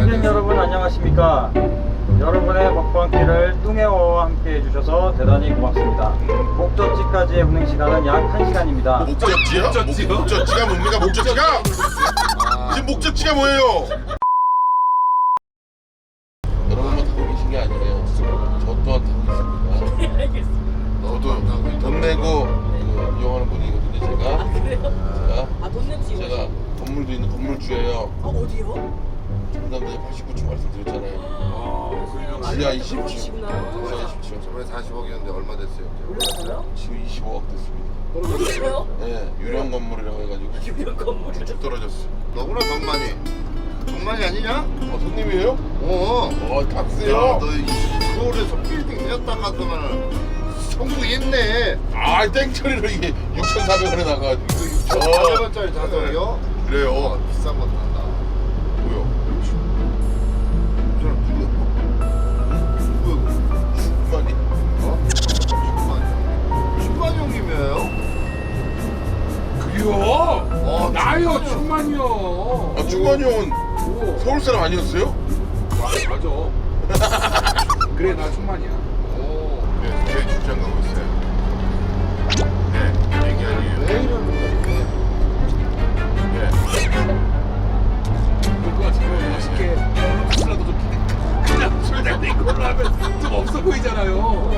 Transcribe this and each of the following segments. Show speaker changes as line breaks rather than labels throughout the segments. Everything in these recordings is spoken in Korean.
시청객 여러분 안녕하십니까. 여러분의 먹방길을 뚱해어와 함께 해주셔서 대단히 고맙습니다. 목적지까지의 운행 시간은 약 1시간입니다.
목적지요? 목적지가 뭡니까? 목적지가? 지금 목적지가 뭐예요? 여러분만 타고 계신 게 아니에요. 저 또한 타고 있습니다.
네, 알겠습니다.
저도 돈 내고 이용하는 분이거든요. 제가
돈 내고
제가 건물도 있는 건물주예요.
어디요?
전남도에 89층 말씀드렸잖아요. 지하 20층.
그러시구나.
지하 20층.
저번에 40억이었는데 얼마 됐어요?
올랐어요?
지금 25억 됐습니다.
그래요?
네, 유령 건물이라고 해가지고
유령 건물.
쭉 떨어졌어.
너구나 정만이. 정만이 아니냐?
손님이에요?
야,
탁세요.
너 서울에서 빌딩 세웠다 갔더만 성공했네.
아, 땡처리로 이게 6,400원에 나가가지고.
400원짜리 자석이요?
그래요.
비싼 거 탄다.
뭐요?
이 사람 누구야?
많이.
충만 형님이에요?
그래요? 나요 충만이요.
아, 충만이 형은
오,
서울 사람 아니었어요?
맞아. 그래 나 충만이야.
네, 저희 출장 가고 있어요. 네, 얘기 아니에요.
왜 이러는 거야?
네.
그거 같으면 맛있게 술라도 좀 피네. 그냥 술 잔데 이걸로 하면 좀 없어 보이잖아요.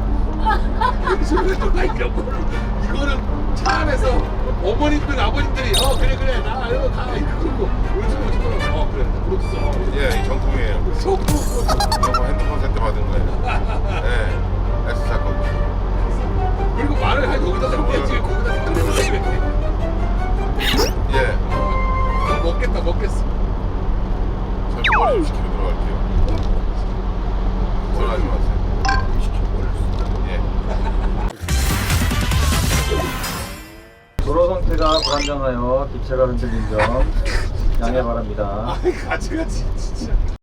술을 좀 이런 거를 이거는 차 안에서 어머님들 아버님들이 그래 나 이거 가 이러고 요즘은 그래 프로듀서
예, 이 정품이에요.
소금
이거 핸드폰 세트 받은 거예요. 네, S사 거고.
그리고 말을 한 여기다 담겠지 거기다 담겠지.
예,
먹겠어.
저 머리 좀 시키고 들어갈게요. 들어가지 마세요. 예.
도로 상태가 불안정하여 기체가 흔들린 점 양해 바랍니다.
같이 진짜.